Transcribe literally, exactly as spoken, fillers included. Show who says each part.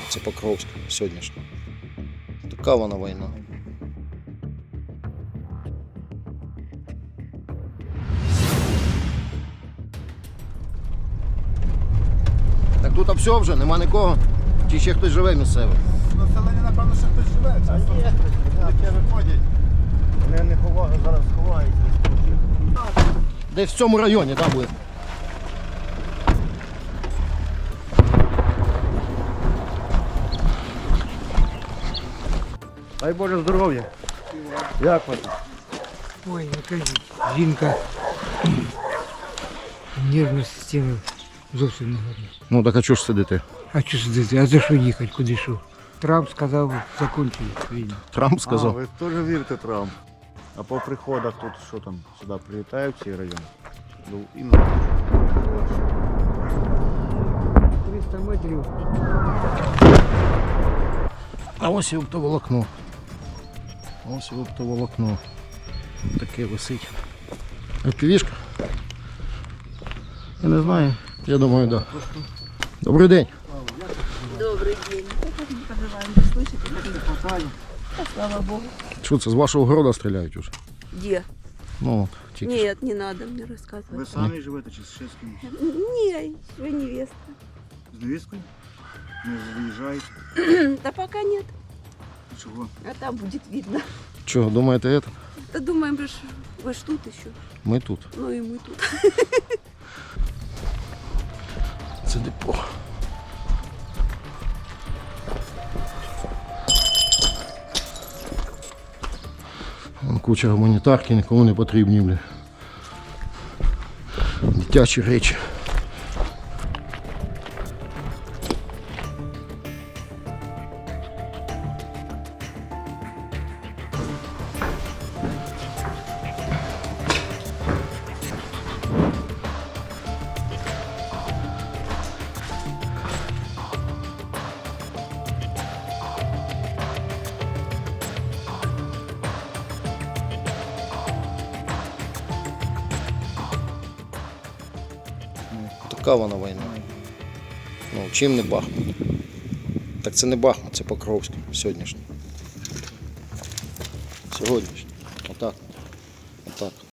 Speaker 1: це Покровськ сьогоднішній. Така вона війна. Так тут все вже, нема нікого. Чи ще хтось живе місцевий?
Speaker 2: Населення, напевно, ще хтось живе. Часто таке виходять.
Speaker 3: Вони не ховають, зараз ховаються.
Speaker 1: Десь в цьому районі, так буде.
Speaker 3: Дай Боже здоров'я. Як вас?
Speaker 4: Ой, якась жінка нервна система зовсім не гарна.
Speaker 1: Ну так а чого ж сидите?
Speaker 4: А що сидіти? А за що їхати? Куди що? Трамп сказав, закінчує війну.
Speaker 1: Трамп
Speaker 3: А,
Speaker 1: сказав.
Speaker 3: ви теж вірите Трамп? А по приходах тут що там, сюди прилітають в цей район? Ну, іменно.
Speaker 4: триста метрів.
Speaker 1: А ось і оптоволокно. Ось і оптоволокно. Таке висить. Півішка? Я не знаю. Я думаю, так. Да. Добрий день.
Speaker 5: Добрый день. Как мы поживаем? Вы слышите? Как не хватает? Да, слава Богу.
Speaker 1: Що це, з вашого города стріляють уже?
Speaker 5: Где?
Speaker 1: Ну, от, тільки що.
Speaker 5: Нет, не надо мне рассказывать.
Speaker 3: Ви самі живете чи з ще з кимось?
Speaker 5: Не, вы невеста.
Speaker 3: З невісткою? Не виїжджаєте?
Speaker 5: Да пока нет.
Speaker 3: Чого?
Speaker 5: А там будет видно.
Speaker 1: Чого, думаєте, це?
Speaker 5: Да думаем, вы ж, вы ж тут еще.
Speaker 1: Ми тут.
Speaker 5: Ну и мы тут.
Speaker 1: Це депо. Вон куча гуманітарки, нікому не потрібні, бля. Дитячі речі. Така вона війна. Ну, чим не Бахмут? Так це не Бахмут, це Покровськ сьогоднішній. Сьогоднішній. Отак. Отак.